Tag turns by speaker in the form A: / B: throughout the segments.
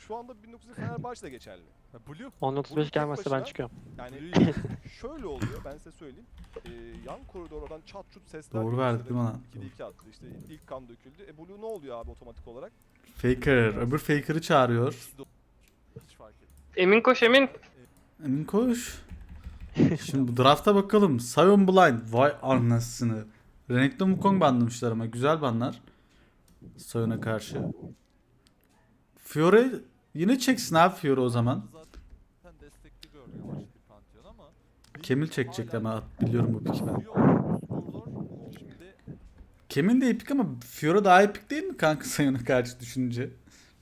A: şu anda 1900 Fenerbahçe'de geçerli. Blue
B: 10.35
A: tek
B: gelmezse ben
A: başına-
B: çıkıyorum.
A: yani şöyle oluyor, ben size söyleyeyim. Yan koridordan çat çut sesler
C: Doğru
A: geliyor.
C: verdik
A: İşte
C: değil mi lan?
A: 2'de 2 attı. İşte ilk kan döküldü. Blue ne oluyor abi otomatik olarak?
C: Faker. Öbür Faker'ı çağırıyor.
A: Hiç fark etmiyor.
D: Emin koş Emin.
C: Emin koş. Şimdi bu drafta bakalım. Sion Blind. Vay anasını. Renekton Wukong banlamışlar ama güzel banlar. Sion'a karşı. Fiore yine çeksin abi Fiore o zaman.
E: Zaten destekli görmeye başladı Pantheon ama
C: Kemil çekecek ama biliyorum bu piki ben.
E: şimdi
C: Kemil de epik ama Fiore daha epik değil mi kanka Sion'a karşı düşününce?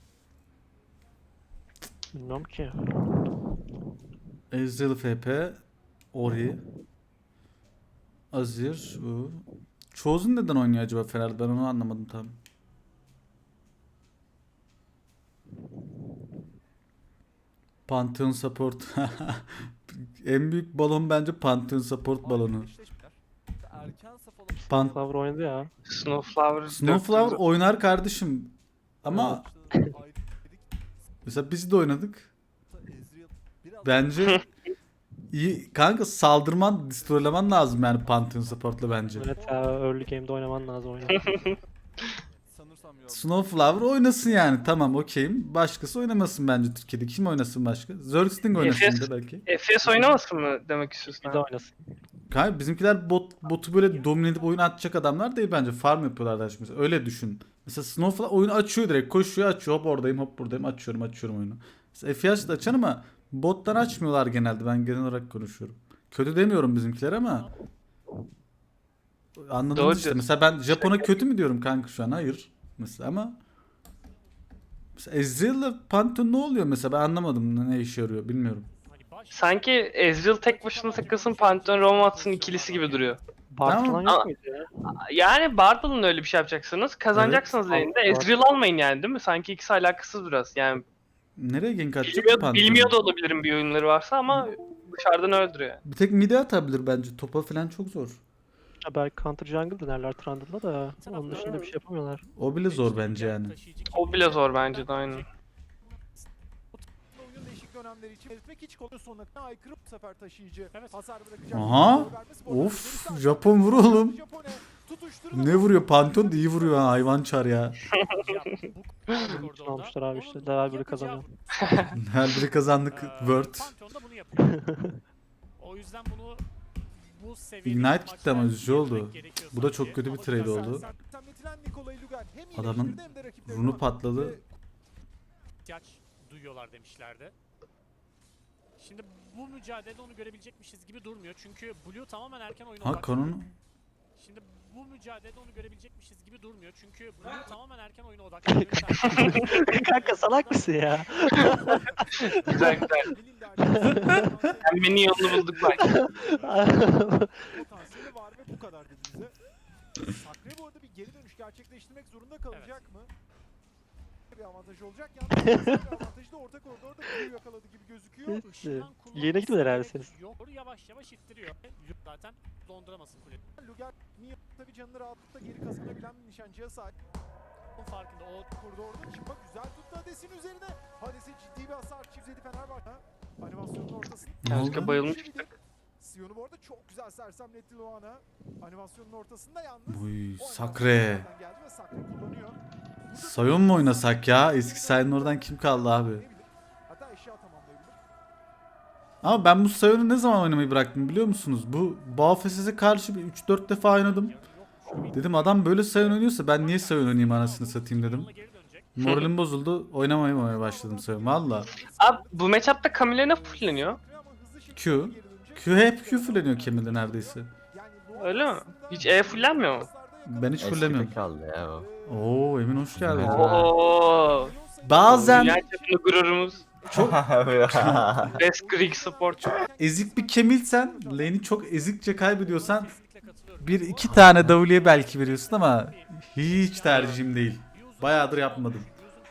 B: Bilmiyorum ki.
C: Ezreal FP. Ori. Azir. Bu. Chosen neden oynuyor acaba Fener'de? Ben onu anlamadım tam. Pantheon support. En büyük balon bence Pantheon support balonu.
E: erken safhada
C: Pan
B: Flower oynadı ya.
D: Snowflower.
C: Snowflower oynar kardeşim. Ama mesela biz de oynadık. Bence iyi kanka, saldırman, destroylaman lazım yani Pantheon support'la bence.
B: Evet ya, early game'de oynaman lazım oyunu.
E: sanırsam yok.
C: Snowflower oynasın yani, tamam okeyim. Başkası oynamasın bence Türkiye'de. Kim oynasın başka? Zergsting oynasın
D: Efes-
C: de belki.
D: FPS oynamasın mı demek istiyorsun?
B: Bir de oynasın.
C: Kanka bizimkiler botu böyle domine edip oyunu atacak adamlar değil bence. Farm yapıyorlar da şimdi. Öyle düşün. Mesela Snowflower oyunu açıyor direkt. Koşuyor açıyor. Hop oradayım hop buradayım. Açıyorum oyunu. Mesela FPS de açan ama bottan açmıyorlar genelde. Ben genel olarak konuşuyorum. Kötü demiyorum bizimkiler ama anladınız
D: Doğru
C: işte.
D: diyorsun.
C: Mesela ben Japon'a kötü mü diyorum kanka şu an? Hayır. Mesela ama Ezreal'la Pantheon ne oluyor mesela? Ben anlamadım ne işe yarıyor bilmiyorum.
D: Sanki Ezreal tek başına takılsın, Pantheon Roma atsın ikilisi gibi duruyor.
B: Bard
C: Tamam.
B: falan
D: Ama-
B: yok muydu ya?
D: Yani Bardal'ın öyle bir şey yapacaksınız. Kazanacaksınız
B: Evet.
D: elinde. Ezreal almayın yani değil mi? Sanki ikisi alakasız biraz. Yani
C: Nereye gank atacak ki Pantheon?
D: bilmiyor da olabilirim bir oyunları varsa ama dışarıdan öldürüyor.
C: Bir tek mid'e atabilir bence. Topa falan çok zor.
B: Ya belki counter jungle denerler Trundle'da da onun dışında bir şey yapamıyorlar.
C: O bile zor bence yani.
D: O bile zor bence de aynen.
F: Oyun değişik dönemleri için belirtmek hiç kolay, sonuna kadar aykırı bu sefer taşıyıcı. Hasar bırakacak.
C: Aha. Of, Japon vur oğlum. Ne vuruyor? Pantheon da iyi vuruyor ha, hayvan çar ya.
B: Bütün almışlar abi işte. Level 1'i kazanıyor.
C: Her biri kazandık Word.
G: Pantheon'da bunu yapıyor. O yüzden bunu bu seviyede
C: Ignite
G: maçlar
C: gitti ama üzücü oldu.
G: yürütmek gerekiyor
C: Bu da
G: sanki.
C: çok kötü bir
G: Ama
C: trade
G: biraz
C: oldu.
F: Adamın
C: Adamın runu patladı.
G: ihtiyaç duyuyorlar demişlerdi. Şimdi bu mücadelede onu görebilecekmişiz gibi durmuyor. Çünkü Blue tamamen erken oyuna
C: Ha
G: odaklanıyor.
C: kanonu.
G: Şimdi bu mücadelede onu görebilecekmişiz gibi durmuyor. Çünkü Blue tamamen erken oyuna odaklanıyor.
B: Kanka salak mısın ya?
D: Güzel güzel. Pembenin yolunu bulduk bak.
F: potansiyeli var ve bu kadar dedi bize. Sakre bu arada bir geri dönüş gerçekleştirmek zorunda kalacak mı? Bir avantaj olacak. Yalnız bir avantajı da orta koridorda Blue'yu yakaladı gibi gözüküyor.
G: Işından
B: Yine gitmediler
G: kullanması
B: abi
G: gerek
B: siz.
G: Yok, yavaş yavaş ittiriyor. Luke zaten donduramasın kuleyi.
F: Luger niye tabii canını rahatlıkla geri kazanabilen bir nişancıya sahip.
G: Onun farkında o
F: Koridorda çıkmak güzel tuttu Hades'in üzerine. Hades'e ciddi bir hasar çizdi Fenerbahçe. Animasyonun ortasında.
C: Ne
D: Yanlışlıkla
C: oldu?
D: bayılmıştık.
F: Sion'u bu arada çok güzel sersemletti Luana. Animasyonun ortasında yalnız.
C: Uy,
F: o
C: Sakre.
F: animasyonlardan geldi ve Sakre kullanıyor.
C: Sion mu oynasak ya? Eski Sion'un oradan kim kaldı abi?
F: Hatta eşya tamamlayabilir.
C: Ama ben bu Sion'u ne zaman oynamayı bıraktım biliyor musunuz? Bu Baufes'e karşı bir 3-4 defa oynadım. Dedim adam böyle Sion oynuyorsa ben niye Sion oynayayım anasını satayım dedim.
G: geri dönecek.
C: Moralim bozuldu. Oynamaya başladım Sion valla.
D: Abi bu matchup'ta Camille ne fullleniyor?
F: Ama hızlı şekilde
C: Q.
F: geri dönecek.
C: Q hep Q fulleniyor Kemal'de neredeyse.
F: Yani Luana
D: Öyle mi?
F: aslında
D: Hiç E fullenmiyor mu?
C: Ben hiç
H: Eskide
C: fullemiyorum.
H: kaldı ya o.
C: Oo Emin hoş geldin.
D: Oo.
C: Bazen
D: Dünya çapında gururumuz. Best Greek support.
C: ezik bir Kemilsen, lane'i çok ezikçe kaybediyorsan bir iki tane W'ye belki veriyorsun ama hiç tercihim değil. Bayağıdır yapmadım.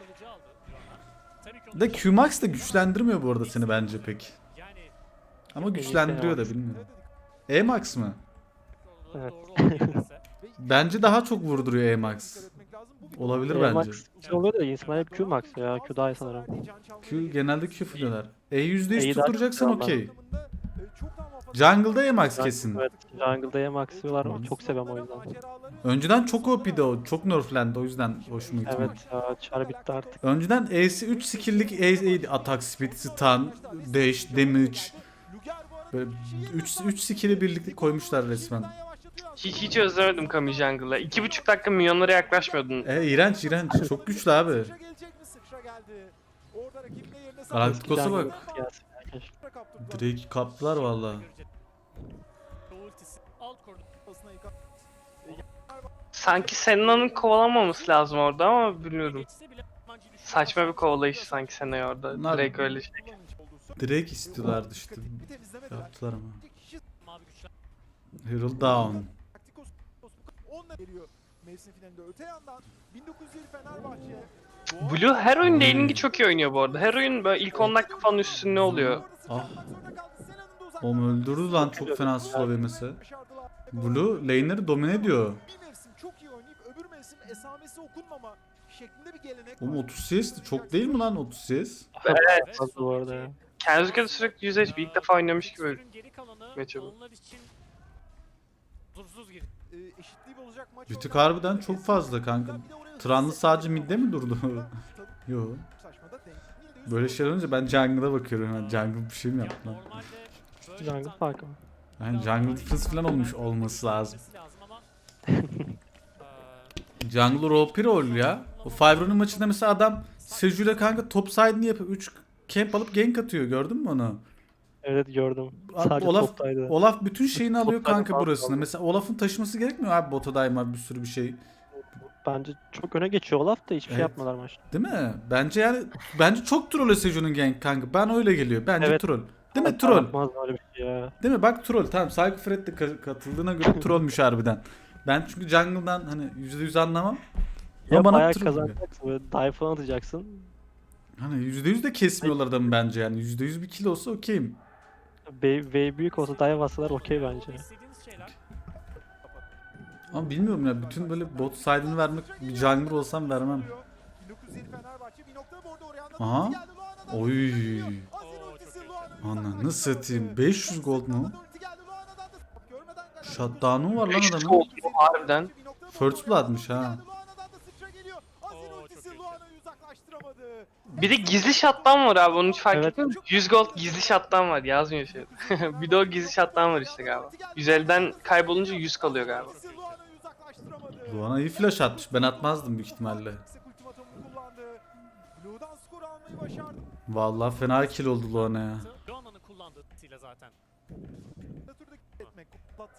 C: De Qmax da güçlendirmiyor bu arada seni bence pek. Ama güçlendiriyor da bilmiyorum. Emax mı?
B: Evet.
C: Bence daha çok vurduruyor Emax.
F: lazım. Bu bir
C: Olabilir
F: konu.
C: bence.
B: Max şey oluyor da insanlar hep Q max ya. Q daha iyi sanırım.
C: Q genelde Q fırlıyorlar. %100
B: E'yi daha
C: tutturacaksan
B: çok
C: okey.
F: Çok daha muhafaza-
C: Jungle'da Emax kesin.
B: Evet, jungle'da ya max diyorlar ama çok seviyorum o yüzden.
C: Önceden çok OP'di o. Çok nerflendi o yüzden hoşuma gitmedi.
B: Evet ya, çar bitti artık.
C: Önceden E'si 3 skill'lik E'ydi. Attack, speed, stun, dash, damage. Böyle 3 skill'i birlikte koymuşlar resmen.
D: Hiç özlemedim Kami Jungle'ı. 2,5 dakika milyonlara yaklaşmıyordun.
C: İğrenç iğrenç. Çok güçlü abi. Galacticos'a bak.
B: Gelsin ya, keşke.
C: Drake kaptılar valla.
G: Ultisi alt koridor.
D: Sanki Senna'nın kovalamaması lazım orada ama bilmiyorum.
G: Geçse bile Mancı düşüyor.
D: Saçma bir kovalayış sanki Senna'yı orada.
C: Bunlar-
D: Direkt öyle şey.
C: Drake istiyorlardı işte. Yaptılar ama.
G: Mavi güçler.
C: Hero down.
F: Onunla geliyor mevsim finalinde. Öte yandan 1907 Fenerbahçe.
D: Blue her oyun laning'i çok iyi oynuyor bu arada. Her oyun böyle ilk 10 dakika falan üstünde oluyor.
C: Ah. Oğlum öldürdü lan çok fena slow yemesi. Blue lane'leri domine ediyor.
F: Bir mevsim çok iyi oynayıp öbür mevsim esamesi okunmama şeklinde bir gelenek
C: Oğlum
F: var.
C: 30 CS de çok değil mi lan 30 CS?
D: Evet.
B: Fazla bu arada ya.
D: Kenzuke de sürekli 100 HP ilk defa oynamış gibi.
G: Sürün geri kalanı
D: Matchup'ı.
G: onlar için huzursuz girdi.
F: Eşitliği bozacak maç
C: Bir tık
F: olacak.
C: harbiden çok fazla kanka.
F: Bir de oraya
C: Tranlı
F: hızlı
C: sadece
F: sekme
C: midde mi durdu?
F: Tabii
C: Yo.
F: saçma da denk.
C: Böyle şeyler olunca ben jungle'a bakıyorum hemen. Jungle bir şey mi
G: Ya
C: yaptı lan?
G: normalde böyle
B: Jungle
G: bir
B: farkı mı?
C: Yani jungle defense falan olmuş olması lazım.
G: ama
C: Jungle OP rol ya. O Fibro'nun maçında mesela adam Seju'yla kanka top side'ını yapıp 3 camp alıp gank atıyor. Gördün mü onu?
B: Evet gördüm.
C: Abi
B: Sadece
C: Olaf,
B: toptaydı.
C: Olaf bütün şeyini alıyor
B: Toptaydı
C: kanka
B: falan
C: burasını.
B: aldı.
C: Mesela Olaf'ın taşıması gerekmiyor abi bota daima bir sürü bir şey.
B: Bence çok öne geçiyor Olaf da hiçbir şey
C: Evet.
B: yapmadılar maçta.
C: Değil mi? Bence çok troll Seju'nun gank kanka. Ben öyle geliyor. Bence
B: Evet.
C: troll. Değil mi troll?
B: Yapmaz öyle bir şey ya.
C: Değil mi? Bak troll. Tamam Saygı Fred de katıldığına göre trollmüş harbiden. Ben çünkü jungle'dan hani %100 anlamam.
B: Ya
C: Ama bana
B: bayağı
C: troll gibi.
B: kazanacaksın böyle dive falan atacaksın.
C: Hani %100 de kesmiyorlar adamı bence yani. %100 bir kill olsa okeyim.
B: Wave büyük olsa dive atsalar okey bence.
G: istediğiniz şeyler
C: Ama bilmiyorum ya bütün böyle bot side'ını vermek bir jungler olsam vermem.
F: 1907 Fenerbahçe bir noktada bu arada oraya
C: Aha.
F: anlattı. Geldi Luana'dan.
C: Oy.
F: Azir ultisi Luana'nın
C: Ananı satayım. 500 gold mu?
F: ulti geldi Luana'dan da görmeden kaçtı.
C: Shutdown'u var lan
D: 500
C: adamın.
D: gold mu harbiden?
F: Bir noktada
C: First
F: bu arada
C: blood'mış
F: oraya
C: ha.
F: geldi. Luana'dan da sıçra geliyor. Azir
G: Oo,
F: ultisi
G: çok iyi.
F: Luana'yı uzaklaştıramadı.
D: Bir de gizli shot'tan var abi onu hiç fark
B: Evet.
D: ettin mi? 100 gold gizli shot'tan var yazmıyor şey. Bir de o gizli shot'tan var işte galiba. 150'den kaybolunca 100 kalıyor galiba.
F: Ultisi Luana'yı uzaklaştıramadı.
C: Luana iyi flash atmış. Ben atmazdım büyük ihtimalle.
F: Yüksek ultimatomunu kullandı. Blue'dan skor almayı başardı.
C: Vallahi fena kill oldu Luana ya.
G: Luana'nın kullandığı ultiyle zaten.
F: Natürde etmek. Patlat.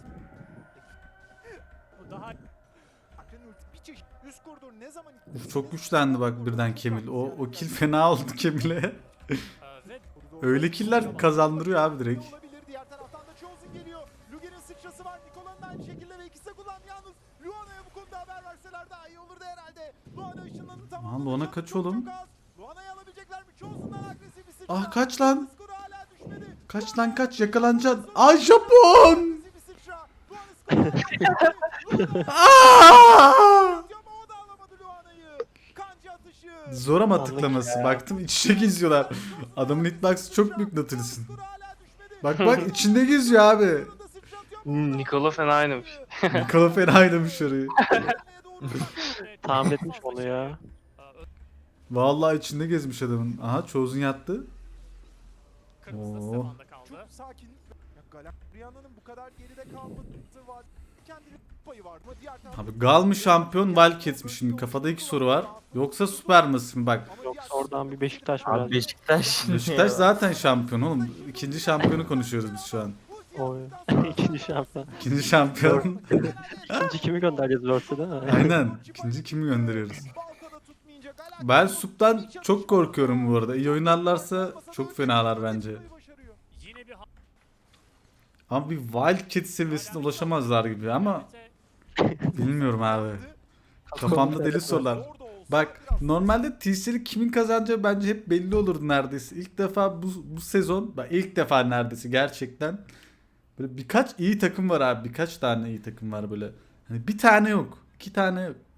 G: O daha
F: Akrenin ulti bir çeşit. Üst koridor ne zaman
C: Uf, çok güçlendi bak birden Kemil. O kill fena oldu Kemil'e.
G: ve
C: Öyle killer kazandırıyor abi direkt.
F: Olabilir. Diğer taraftan da Chosen geliyor. Luger'in sıçrası var. Nikola'nın aynı şekilde ve ikisi de kullandı yalnız. Luana'ya bu konuda haber verseler daha iyi olurdu herhalde. Luana ışınlanı tamam.
C: Luana kaç oğlum?
F: Luana'yı alabilecekler mi? Chosen'dan agresif bir sıçra.
C: Ah, kaç lan?
F: Skoru hala düşmedi.
C: Kaç lan kaç yakalanacaksın. Ay Japon!
F: Agresif bir sıçra. Luana skoru.
C: Aa!
F: Ama o da alamadı Luana'yı. Kanca atışı.
C: Zor ama tıklaması. Baktım iç içe geziyorlar. Adamın hitbox'ı çok büyük Nautilus'un.
F: Skoru hala düşmedi.
C: Bak bak içinde geziyor abi.
F: Burada sıçra atıyor.
D: Nikola fena oynamış.
C: Nikola fena oynamış orayı.
F: Luana'ya doğru
B: Tahmin etmiş onu ya.
C: Vallahi içinde gezmiş adamın. Aha Chosen yattı.
G: kırmızı da
C: Oo.
G: Stefan'da kaldı.
F: çok sakin. Ya Galakriya'nın bu kadar geride kalması var. Kendini payı var mı? Diğer tarafta
C: Abi Gal mı şampiyon Wildcats mi şimdi? Kafada iki soru var. Yoksa Super mı bak.
B: Yoksa oradan bir Beşiktaş mı
H: Abi
B: geldi?
H: Beşiktaş.
C: Beşiktaş zaten şampiyon oğlum. İkinci şampiyonu konuşuyoruz biz şu an.
B: Oy. İkinci şampiyon.
C: İkinci şampiyon.
B: İkinci kimi göndereceğiz Worlds'e değil mi?
C: Aynen. İkinci kimi gönderiyoruz?
F: Balkada tutmayınca Galakriya
C: Ben Sup'tan çok korkuyorum bu arada. İyi oynarlarsa çok fenalar bence.
F: başarıyor.
G: Yine bir
C: Ama bir Wildcats seviyesine ulaşamazlar gibi ama bilmiyorum abi. Kafamda deli sorular.
F: Orada olsa
C: Bak
F: biraz
C: normalde TC'li kimin kazanacağı bence hep belli olurdu neredeyse. İlk defa bu sezon, bak ilk defa neredeyse gerçekten böyle birkaç iyi takım var abi. Birkaç tane iyi takım var böyle. Hani bir tane yok. 2 tane yok.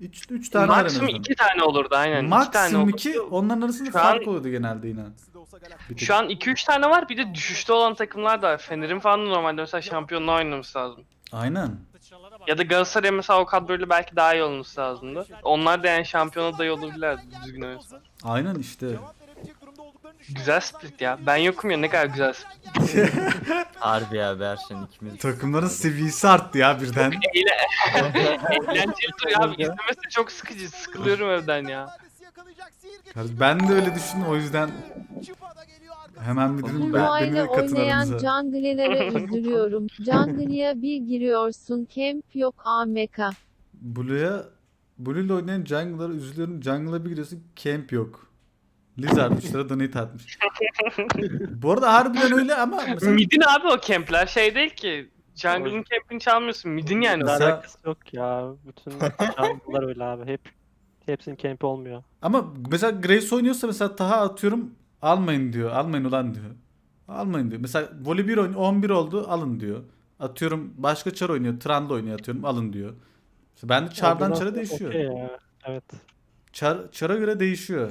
C: 3 tane var en
D: Maksimum
C: azından.
D: 2 tane olurdu aynen. 2 tane
C: Maksimum
D: olurdu.
C: 2, onların arasında
D: Şu an-
C: fark oluyordu genelde yine. Bir tek.
D: Şu an 2-3 tane var, bir de düşüşte olan takımlar da var. Fener'in falan da normalde mesela şampiyonluğa oynaması lazım.
C: Aynen.
G: Sıçralara bak.
D: Ya da Galatasaray mesela o kadroyla belki daha iyi olması lazımdı. Onlar da yani şampiyona adayı olabilirlerdi düzgün oynasa.
C: Aynen işte.
F: Cevap verebilecek durumda olduklarını düşünüyorum.
D: Güzel split ya. Ben yokum ya, ne kadar güzel split.
H: Harbi abi Erşen ikimiz.
C: Takımların seviyesi arttı ya birden.
D: Eğlenceli duruyor abi. İzlemesi çok sıkıcı. Sıkılıyorum evden ya.
C: Kardeşim, ben de öyle düşündüm o yüzden hemen bir dedim
I: Bu
C: ben,
I: aile
C: beni de katın
I: oynayan
C: aranıza.
I: jungler'lara üzülüyorum. Jungler'ya bir giriyorsun, camp yok AMK.
C: Blue'yle oynayan jungler'a üzülüyorum. Jungle'a bir giriyorsun camp yok. Lizard 3 lira donate atmış. Bu arada harbiden öyle ama mesela
D: Mid'in abi o kempler şey değil ki. Jungle'ın campini çalmıyorsun. Mid'in yani.
C: Mesela-
B: Alakası yok ya. Bütün jungle'lar öyle abi. Hepsinin campi olmuyor.
C: ama mesela Grace oynuyorsa mesela Taha atıyorum almayın diyor. Almayın ulan diyor. Almayın diyor. Mesela Voli 1 oynuyor 11 oldu alın diyor. Atıyorum başka çar oynuyor. Trundle oynuyor atıyorum alın diyor. Mesela bende çardan
B: Ondan
C: çara
B: sonra
C: değişiyor.
B: okey ya. Evet.
C: Çara göre değişiyor.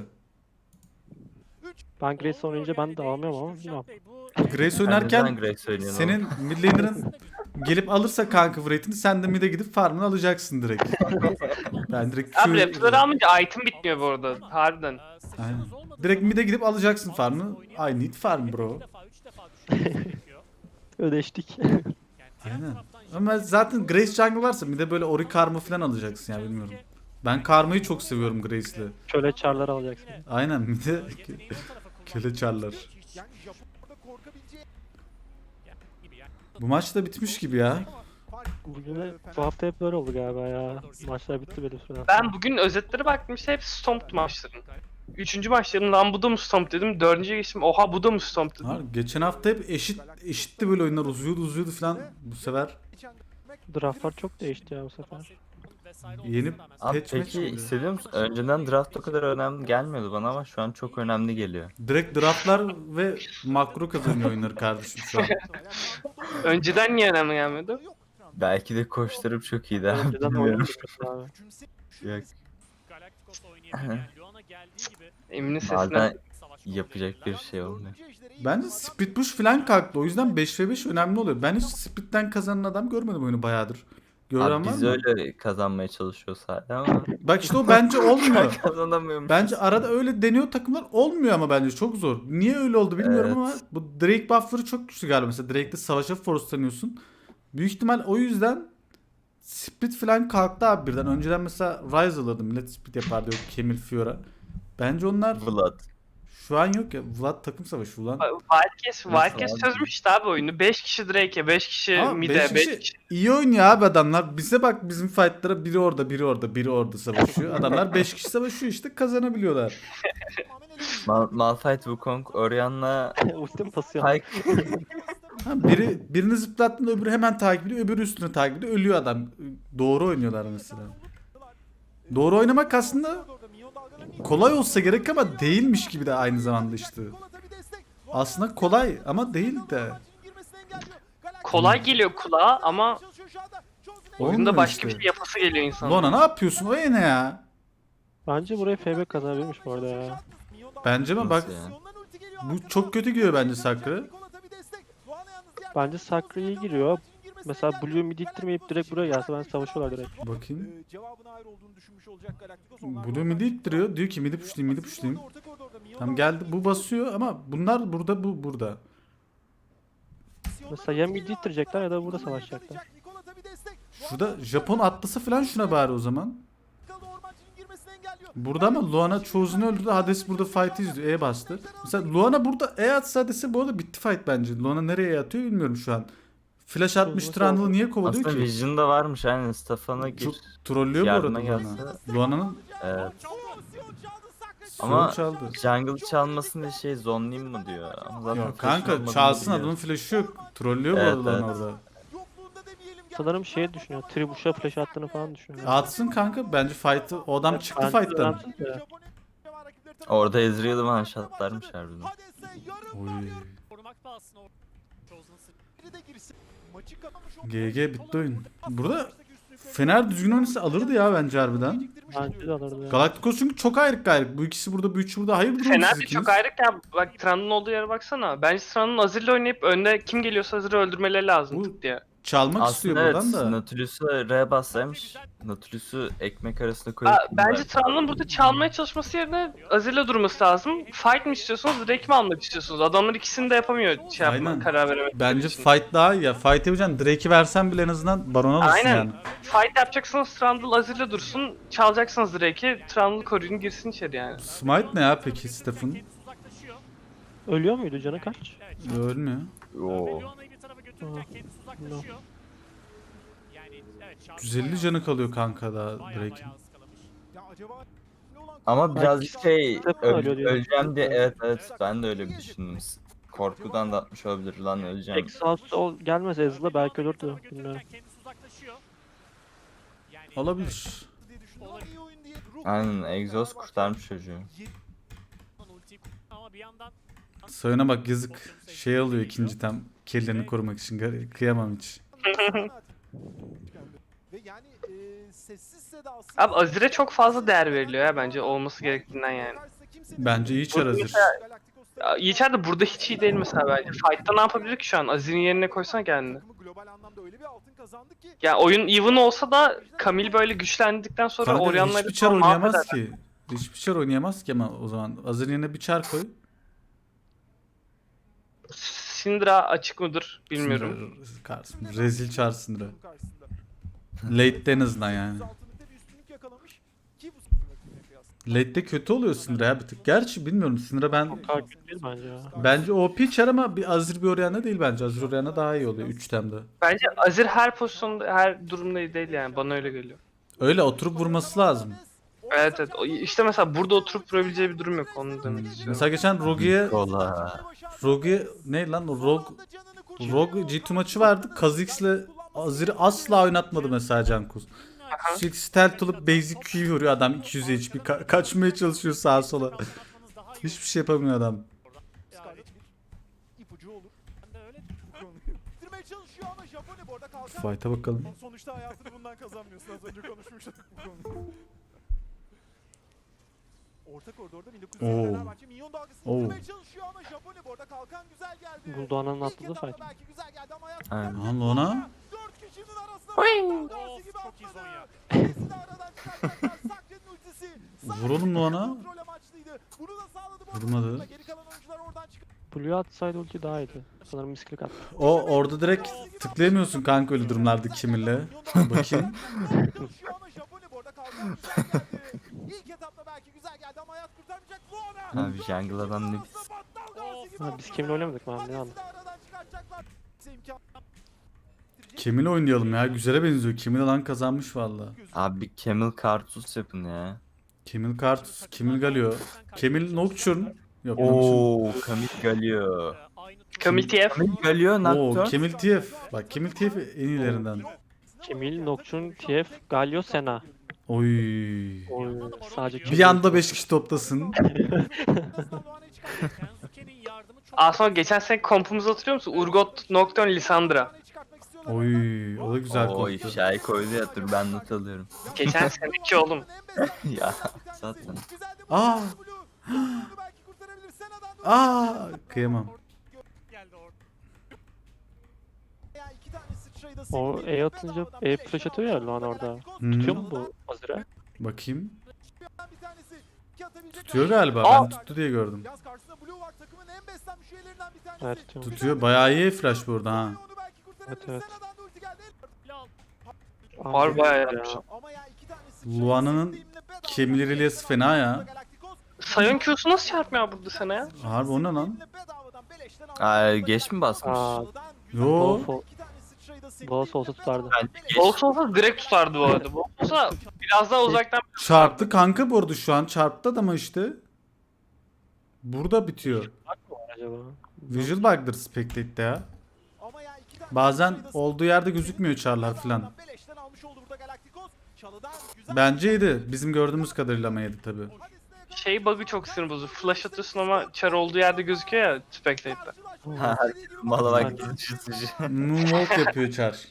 B: Ben Grace oynayınca ben de alamıyorum ama bilmiyorum.
C: Grace oynarken
H: Neden Grace oynuyorsun?
C: senin mid laner'ın gelip alırsa kanka rate'ini sen de mid'e gidip farmını alacaksın direkt. Ben direkt
D: Abi
C: Q...
D: raptor'ları almayınca item bitmiyor bu arada. Harbiden.
C: Aynen. Direkt mid'e gidip alacaksın farmını. I need farm bro.
B: Ödeştik.
C: Aynen. Ama zaten Grace jungle varsa mid'e böyle Ori karma falan alacaksın ya bilmiyorum. Ben karmayı çok seviyorum Grace'le.
B: Köle çarlar alacaksın.
C: Aynen mid'e köle çarlar.
F: Yani Japon'da korkabileceği
C: Bu maç da bitmiş gibi ya.
B: Bu hafta hep böyle oldu galiba ya. Maçlar bitti böyle süre.
D: Ben bugün özetlere baktım, işte hep Stomped maçların. 3. maçlarım lan bu da mı Stomp dedim. 4. geçtim oha bu da mı Stomp dedim.
C: Ha, geçen hafta hep eşitti böyle oyunlar uzuyordu falan. Bu sefer
B: Draftlar çok değişti ya bu sefer.
C: yeni
H: Abi
C: patch match
H: peki
C: oluyor.
H: hissediyor musun? Önceden draft o kadar önemli gelmiyordu bana ama şu an çok önemli geliyor.
C: Direkt draftlar ve makro kazanıyor oyunları kardeşim şu an.
D: Önceden niye önemli gelmedi?
H: Belki de koçlarım çok iyiydi abi
B: Önceden
H: bilmiyorum.
B: oynamıştık abi.
H: Yok.
G: Galacticos oynayabilen, Luana geldiği gibi
D: Emin'in sesine.
H: Bazen yapacak bir şey olmuyor.
C: Bence split push falan kalktı. O yüzden 5v5 önemli oluyor. Ben hiç splitten kazanan adam görmedim oyunu bayağıdır. Gören
H: Abi
C: var
H: biz
C: mı?
H: öyle kazanmaya çalışıyoruz hala ama
C: Bak işte o bence olmuyor.
H: kazanamıyorum.
C: Bence arada öyle deniyor takımlar olmuyor ama bence çok zor. Niye öyle oldu bilmiyorum
H: Evet.
C: ama bu Drake buff'ları çok güçlü galiba. Mesela Drake'de savaşa forcelanıyorsun. Büyük ihtimal o yüzden split falan kalktı abi birden. Önceden mesela Ryze alırdı millet split yapardı yok Camille Fiora. Bence onlar
H: Vlad.
C: şu an yok ya. Vlad takım savaşı ulan.
D: Wildcats
H: abi?
D: çözmüştü abi oyunu. 5 kişi Drake'e, 5 kişi
C: Ama
D: mid'e,
C: beş
D: 5
C: kişi
D: kişi.
C: iyi oynuyor abi adamlar. Bize bak bizim fightlara biri orada, biri orada, biri orada savaşıyor. Adamlar 5 kişi savaşıyor işte kazanabiliyorlar.
H: Malphite, Wukong, Orianna,
B: Ultim basıyor.
H: Pyke.
C: Ha, birini zıplattığında öbürü hemen takip ediyor, öbürü üstüne takip ediyor. Ölüyor adam. Doğru oynuyorlar mesela. Doğru oynamak aslında kolay olsa gerek ama değilmiş gibi de aynı zamanda işte. Aslında kolay ama değil de.
D: Kolay geliyor kulağa ama oyunda
C: Olmuyor
D: başka
C: işte.
D: bir şey yapası geliyor insanın.
C: Lona ne yapıyorsun? O ne ya?
B: Bence buraya FB kazanabilirmiş bu arada ya.
C: Bence mi? Bak
H: Nasıl ya?
C: bu çok kötü giriyor bence Sakra.
B: Bence Sakra iyi giriyor. Mesela Blue mid ittirmeyip direkt buraya gelse ben savaşıyorlar direkt.
C: Bakayım.
F: cevabın hayır olduğunu düşünmüş olacak Galacticos.
C: Blue midi ittiriyor. Diyor ki midi pushlayayım, midi pushlayayım. Tam geldi bu basıyor ama bunlar burada bu burada.
B: Mesela ya mid ittirecekler ya da burada savaşacaklar.
C: Şurada Japon atlasa falan şuna bari o zaman. Burada ama Luana Chosen'ı öldürdü. Hades burada fight'ı izliyor. E bastı. Mesela Luana burada E atsa Hades'e bu arada bitti fight bence. Luana nereye atıyor bilmiyorum şu an. Flash atmış Trundle'ı niye kovalıyor
H: Aslında
C: ki?
H: Vision'da varmış aynen Stefan'a gir.
C: Çok trollüyor bu arada
H: Yardıma
C: Luana.
H: gelse.
C: Luana'nın
H: Evet.
C: Ama
H: Ama
C: çaldı.
H: jungle çalmasın diye şey zonlayayım mı diyor. Ama zaten
C: Yok
H: flash'ın
C: kanka
H: olmadığını
C: çalsın
H: biliyor.
C: adamın flash'ı yok. Trollüyor bu
H: Evet,
C: arada Luana
H: evet.
C: orada.
B: Sanırım şey düşünüyor. Tribuş'a flash attığını falan düşünüyor.
C: Atsın kanka bence fight'ı. O adam çıktı
B: Bence
C: fight'tan.
B: önemsiz de.
H: Orada Ezreal'ı one shotlarmış harbiden.
C: Oy.
G: korumak pahasına o Chosen
C: GG bitti oyun. Burada Fener düzgün oynasa alırdı ya bence harbiden.
B: Bence de alırdı ya.
C: Galacticos çünkü çok ayrık gayrık. Bu ikisi burada, bu üçü burada. Hayırdır oğlum
D: Fener
C: siz
D: de
C: ikiniz?
D: çok ayrık ya. Bak Tran'ın olduğu yere baksana. Bence Tran'ın Azir'le oynayıp önde kim geliyorsa Azir'i öldürmeleri lazım
C: Bu-
D: tık diye.
C: Çalmak istiyor
H: Aslında evet,
C: buradan da.
H: Nautilus'u R bassaymış. Nautilus'u ekmek arasında koyup...
D: Bence Tran'ın burada çalmaya çalışması yerine Azir'le durması lazım. Fight mi istiyorsunuz, Drake mi almak istiyorsunuz? Adamlar ikisini de yapamıyor şey yapma,
C: Aynen.
D: karar veremek.
C: Bence fight daha iyi ya. Fight yapacaksın. Drake'i versen bile en azından Baron alırsın
D: Aynen.
C: yani.
D: Fight yapacaksınız Trundle Azir'le dursun. Çalacaksınız Drake'i, Trundle koruyun girsin içeri yani.
C: Smite ne ya peki Stephen?
G: Kendisi uzaklaşıyor.
B: Ölüyor muydu canı kaç?
G: Evet.
C: Ölmüyor.
H: Oo.
G: Leona'yı bir tarafa götürürken kendisi uzaklaşıyor. Yani evet, şarkı
C: 150
G: bayağı-
C: canı kalıyor kanka da
G: bayağı
C: Drake'in.
G: ıskalamış.
F: Ya acaba ne olan
H: Ama birazcık şey,
B: Stephen ölüyor diyor.
H: öleceğim diye, evet ben de öyle bir düşündüm. Korkudan da atmış olabilir lan öleceğim.
B: Exhaust gelmese Ezreal'a belki ölürdü.
G: Tarafa götürürken
B: Bilmiyorum.
G: kendisi uzaklaşıyor. Yani
C: Olabilir.
F: diye düşündüm ama iyi oyun diye.
H: Aynen, Exhaust kurtarmış çocuğu.
G: ultiyi ama bir yandan
C: Sayına bak yazık. Şey alıyor ikinci tam. Kellerini korumak için. Kıyamam hiç.
F: Ve yani sessiz sedasız.
D: Abi Azir'e çok fazla değer veriliyor ya bence olması gerektiğinden yani.
C: Bence iyi çar hazır.
D: Ya, Yiğiter de burada hiç iyi değil mesela bence. Fight'ta ne yapabilir ki şu an? Azir'in yerine koysana kendini.
F: Global anlamda öyle bir altın kazandı ki.
D: Ya oyun even olsa da Camille böyle güçlendikten sonra
C: Kanka
D: Orianna'yı
C: hiçbir çar
D: falan
C: oynayamaz
D: mahveder.
C: ki. Hiçbir çar oynayamaz ki ama o zaman. Hazır yerine bir çar koy.
D: Syndra açık mıdır bilmiyorum.
C: Rezil çar Syndra. Late'de en azından yani. Late'de kötü oluyor Syndra ya bir tık. Gerçi bilmiyorum Syndra ben...
B: O kadar kötü değil bence ya.
C: Bence OP çar ama bir Azir bir Orianna değil bence. Azir Orianna daha iyi oluyor 3 temde.
D: Bence Azir her pozisyonda, her durumda iyi değil yani. Bana öyle geliyor.
C: Öyle oturup vurması lazım.
D: Evet evet. İşte mesela burada oturup vurabileceği bir durum yok. Onu demek istiyorum.
C: Mesela geçen
H: Kola.
C: Rogue'ye ne lan o Rogue G2 maçı vardı. Kha'Zix'le Azir'i asla oynatmadı mesela Cankus. Sürekli stealth olup basic Q vuruyor adam 200 HP. Kaçmaya çalışıyor sağa sola. Hiçbir şey yapamıyor adam.
F: İpucu olur.
G: Ben de öyle
F: Bitirmeye çalışıyor ama Japone bu arada kalkan.
C: Fight'a bakalım.
F: Sonuçta hayatını bundan kazanmıyorsun. Az önce konuşmuştuk bu konuyu. Orta koridorda 1900
C: Oo.
F: Fenerbahçe minyon dalgasını
C: Oo.
F: bitirmeye çalışıyor ama Japone bu arada kalkan güzel geldi.
B: Buldoğan'ın
F: İlk
B: atladığı
F: etapta
B: fight.
F: belki güzel geldi ama hayat
H: Aynen.
C: Aha Lona.
F: 4 kişinin arasında
G: Of,
F: Darcy gibi
G: çok iyi
F: atladı.
G: Zonya.
F: İkisi de aradan çıkaracaklar. Sakre'nin ultisi.
C: Vuralım Lona.
F: Kontrol amaçlıydı. Bunu da sağladı bu arada.
C: Vurmadı.
F: Geri kalan oyuncular oradan çıkıyor.
B: Blue atsaydı ulti daha iyiydi. Sanırım misklik attı.
C: O orada direkt tıklayamıyorsun kanka öyle durumlarda kiminle. Bakayım.
F: Çalışıyor ama Japone bu arada kalkan güzel geldi. İlk etapta belki güzel geldi ama hayat kurtarmayacak. Luana.
H: Abi jungle adam ne
B: Ha, biz kimle oynamadık mı abi ne anladım.
C: Kiminle oynayalım ya? Güzele benziyor. Kimin lan kazanmış valla.
H: Abi bir Camel Kartus yapın ya.
C: Kimil Kartus, Kimil Galio. Kimil Nocturne. Yok Nocturne.
H: Oo, Camille Galio.
D: Camille TF.
H: Camille Galio
C: Oo
H: Nocturne.
C: Kimil TF. Bak Kimil TF en iyilerinden.
B: Camille, Nocturne, TF, Galio, Senna.
C: Oy.
B: Oy, sadece
C: Bir anda 5 kişi toplasın.
G: Kensuke'nin yardımı çok
D: Aslında geçen sene kompumuzu hatırlıyor musun? Urgot, Nocturne, Lissandra.
C: Oy, o da güzel
H: Oo
C: koptu.
H: ifşayı koydu ya, dur ben not alıyorum.
D: Geçen seneki oğlum.
H: Ya zaten.
C: Aa! Aa, kıyamam.
G: geldi orada.
B: O E atınca E flash atıyor ya Luan orada.
C: Hmm.
B: Tutuyor mu bu Azir'e?
C: Bakayım. Tutuyor galiba. Ben tuttu diye gördüm.
F: Yaz karşısında Blue var, takımın en beslenmiş üyelerinden bir tanesi.
B: Evet tutuyor.
C: Tutuyor. Bayağı iyi flash burada ha.
F: Onu belki kurtarabilir.
B: Evet, evet.
F: Sena'dan da ulti geldi.
D: Var bayağı yapmış.
F: Ama ya iki tanesi
C: Luana'nın Camille Relias fena ya.
D: Sion Q'su nasıl çarpmıyor burada sana ya?
C: Harbi o ne lan?
H: Aa, geç mi basmış?
B: Aa,
C: Yo.
B: Boğaz olsa tutardı.
H: Bence geç.
D: Box olsa direkt tutardı bu arada. Box olsa biraz daha uzaktan
C: Çarptı kanka bu arada şu an. Çarptı adama işte. Burada bitiyor.
B: Acaba?
C: Visual bug'dır Spectate'de ya. Bazen olduğu yerde gözükmüyor çarlar filan. Bence yedi. Bizim gördüğümüz kadarıyla ama yedi tabi.
D: şey bug'ı çok sinir bozucu. Flash atıyorsun ama çar olduğu yerde gözüküyor ya Spectate'de.
H: Ha, mala bak sıçı.
C: Moonwalk yapıyor çar.